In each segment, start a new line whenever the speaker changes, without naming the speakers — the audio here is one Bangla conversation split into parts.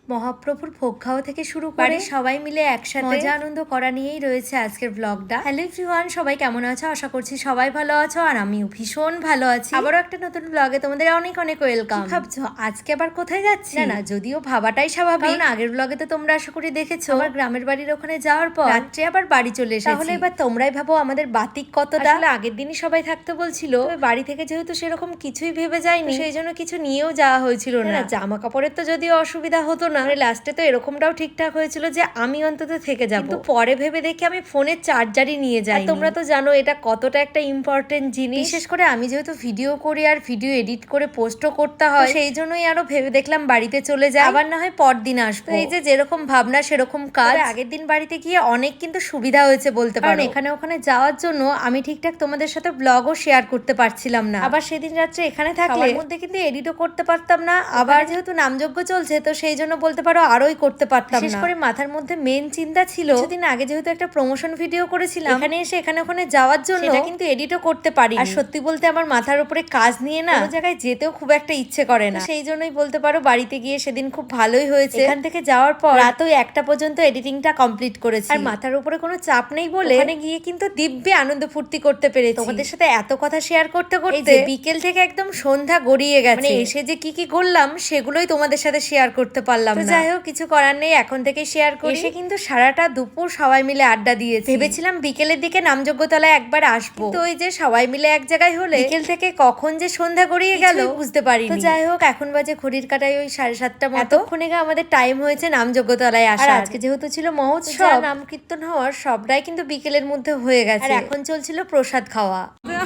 মহাপ্রভুর ভোগ খাওয়া থেকে শুরু করে সবাই মিলে একসাথে মজা আনন্দ করা নিয়েই রয়েছে আজকের ব্লগটা। হ্যালো এভরিওয়ান, সবাই কেমন আছো? আশা করছি সবাই ভালো আছো, আর আমিও ভীষণ ভালো আছি। আবারও একটা নতুন ব্লগে তোমাদের অনেক অনেক ওয়েলকাম। ভাবছো আজকে আবার কোথায় যাচ্ছি? না, যদিও ভাবাটাই স্বাভাবিক, কারণ আগের ব্লগে তো তোমরা আশা করি দেখেছো আমার গ্রামের বাড়ির ওখানে যাওয়ার পর রাত্রে আবার বাড়ি চলে এসেছি। তাহলে এবার তোমরাই ভাবো আমাদের বাতিক কতটা। আসলে আগের দিনই সবাই থাকতে বলছিল, বাড়ি থেকে যেহেতু সেরকম কিছুই ভেবে যায়নি, সেই জন্য কিছু নিয়েও যাওয়া হয়েছিল না। জামা কাপড়ের তো যদিও অসুবিধা হতো না, লাস্টে তো এরকমটাও ঠিকঠাক হয়েছিল যে আমি অন্তত থেকে যাব, কিন্তু পরে ভেবে দেখি আমি ফোনের চার্জারই নিয়ে যাই। তোমরা তো জানো এটা কতটা একটা ইম্পর্টেন্ট জিনিস, বিশেষ করে আমি যেহেতু ভিডিও করি আর ভিডিও এডিট করে পোস্টও করতে হয়, সেই জন্যই আরো ভেবে দেখলাম বাড়িতে চলে যাই, আবার না হয় পরদিন আসবো। এই যে যেরকম ভাবনা সেরকম কাজ। আগের দিন বাড়িতে গিয়ে অনেক কিন্তু সুবিধা হয়েছে বলতে পারো, এখানে ওখানে যাওয়ার জন্য আমি ঠিকঠাক তোমাদের সাথে ব্লগও শেয়ার করতে পারছিলাম না। আবার সেদিন রাত্রে এখানে থাকলে মধ্যে কিন্তু এডিটও করতে পারতাম না, আবার যেহেতু নামযজ্ঞ চলছে তো সেই জন্য বলতে পারো আরোই করতে পারতাম না। বিশেষ করে মাথার মধ্যে মেন চিন্তা ছিল কিছুদিন আগে যেহেতু একটা প্রমোশন ভিডিও করেছিলাম, এখানে এসে এখানে ওখানে যাওয়ার জন্য সেটা কিন্তু এডিটও করতে পারি। আর সত্যি বলতে আমার মাথার উপরে কাজ নিয়ে না কোনো জায়গায় যেতেও খুব একটা ইচ্ছে করে না, সেই জন্যই বলতে পারো বাড়িতে গিয়ে সেদিন খুব ভালোই হয়েছে। এখান থেকে যাওয়ার পর রাত ওই 1টা পর্যন্ত এডিটিংটা কমপ্লিট করেছি, আর মাথার উপরে কোনো চাপ নেই বলে ওখানে গিয়ে কিন্তু দিব্যে আনন্দ ফুর্তি করতে পেরেছি। তোমাদের সাথে এত কথা শেয়ার করতে করতে বিকেল থেকে একদম সন্ধ্যা গড়িয়ে গেছে, মানে এসে যে কি কি করলাম সেগুলোই তোমাদের সাথে শেয়ার করতে পারলাম না। যাই হোক, কিছু করার নেই, এখন থেকে শেয়ার করি। এসে কিন্তু সারাটা দুপুর সবাই মিলে আড্ডা দিয়েছি। ভেবেছিলাম বিকেলের দিকে নামযজ্ঞতলায় একবার আসবো, তো ওই যে সবাই মিলে এক জায়গায় হলে বিকেল থেকে কখন যে সন্ধ্যা গড়িয়ে গেল বুঝতে পারিনি। তো যাই হোক, এখন বাজে ঘড়ির কাটায় ওই 7:30 মতো। এতক্ষণে আমাদের টাইম হয়েছে নামযজ্ঞতলায় আসা। আজকে যেহেতু ছিল মহোৎসব, নাম কীর্তন হওয়ার সবটাই কিন্তু বিকেলের মধ্যে হয়ে গেছে, আর এখন চলছিল প্রসাদ খাওয়া।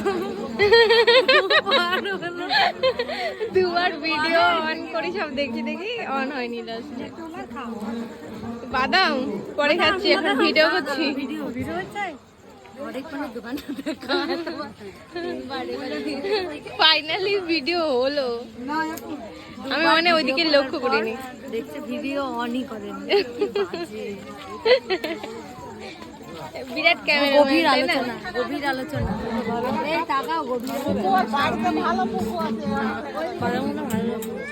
দুবার ভিডিও অন করি, সব দেখি দেখি অন হয়নি। লাস্টে বাদাম পরে খাচ্ছি, এখন ভিডিও করছি। ফাইনালি ভিডিও হলো, আমি মানে ওইদিকে লক্ষ্য করিনি।
দেখছে ভিডিও অনই করেন।
বিরাট ক্যামেরা,
গভীর আলোচনা, গভীর আলোচনা। এই তাকাও, গভীর বাড়িতে ভালো পুকু আছে, ভালো ভালো।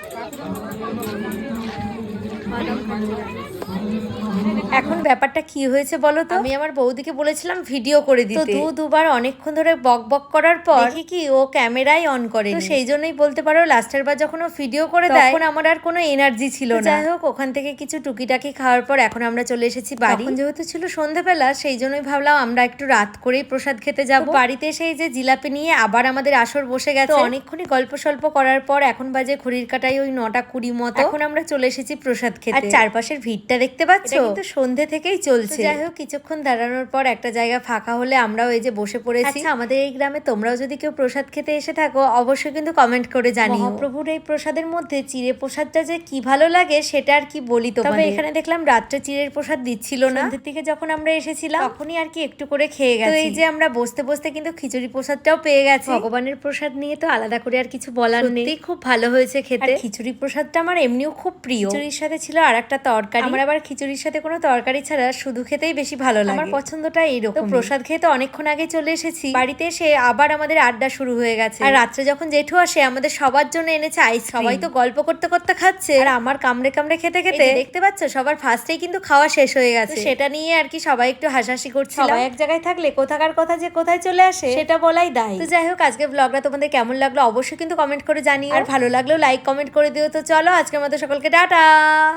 এখন ব্যাপারটা কি হয়েছে বলো তো, আমি আমার বৌদিকে বলেছিলাম ভিডিও করে দিতে, তো দুবার অনেকক্ষণ ধরে বক বক করার পর দেখি কি ও ক্যামেরাই অন করে, তো সেই জন্যই বলতে পারো লাস্টের বার যখন ও ভিডিও করে দেয় তখন আমার আর কোনো এনার্জি ছিল না। যাই হোক, ওখান থেকে কিছু টুকিটাকি খাওয়ার পর এখন আমরা চলে এসেছি বাড়ি। যেহেতু ছিল সন্ধ্যাবেলা, সেই জন্যই ভাবলাম আমরা একটু রাত করেই প্রসাদ খেতে যাবো। বাড়িতে এসে এই যে জিলাপি নিয়ে আবার আমাদের আসর বসে গেছে। অনেকক্ষণই গল্প সল্প করার পর এখন বাজে ঘড়ির কাটায় ওই 9:20 মতো। এখন আমরা চলে এসেছি প্রসাদ খেতে, আর চারপাশের ভিড়টা দেখতে পাচ্ছ, কিন্তু সন্ধে থেকেই চলছে। যাই হোক, কিছুক্ষণ দাঁড়ানোর পর একটা জায়গা ফাঁকা হলে আমরাও এই যে বসে পড়েছি। আমাদের এই গ্রামে তোমরাও যদি কেউ প্রসাদ খেতে এসে থাকো অবশ্যই কিন্তু কমেন্ট করে জানিও। মহাপ্রভুর এই প্রসাদের মধ্যে চিড়ে প্রসাদটা যে কি ভালো লাগে সেটা আর কি বলি তোমাদের। তবে এখানে দেখলাম রাত্রে চিড়ের প্রসাদ দিচ্ছিল না, সন্ধ্যের দিকে যখন আমরা এসেছিলাম তখনই আর কি একটু করে খেয়ে গেছি। তো এই যে আমরা বসতে বসতে কিন্তু খিচুড়ি প্রসাদটাও পেয়ে গেছি। ভগবানের প্রসাদ নিয়ে তো আলাদা করে আর কিছু বলার নেই, খুব ভালো হয়েছে খেতে। খিচুড়ি প্রসাদটা আমার এমনিও খুব প্রিয়। খিচুড়ির সাথে ছিল আর একটা তরকারি, আমার আবার খিচুড়ির সাথে কোনো তরকারি ছাড়া শুধু খেতেই বেশি ভালো লাগে, আমার পছন্দটা এইরকম। তো প্রসাদ খেয়ে তো অনেকক্ষণ আগে চলে এসেছি, বাড়িতে এসে আবার আমাদের আড্ডা শুরু হয়ে গেছে। আর রাত্রে যখন জেঠু আসে আমাদের সবার জন্য এনেছে আইস। সবাই তো গল্প করতে করতে খাচ্ছে, আর আমার কামড়ে কামড়ে খেতে খেতে দেখতে পাচ্ছ সবার ফার্স্টেই কিন্তু খাওয়া শেষ হয়ে গেছে। সেটা নিয়ে আর কি সবাই একটু হাসাহাসি করছিল। সবাই এক জায়গায় থাকলে কোথাকার কথা যে কোথায় চলে আসে সেটা বলাই দায়। তো যাই হোক, আজকে ব্লগটা তোমাদের কেমন লাগলো অবশ্যই কিন্তু কমেন্ট করে জানিও, আর ভালো লাগলেও লাইক কমেন্ট করে দিও। তো চলো, আজকের মতো সকলকে টাটা।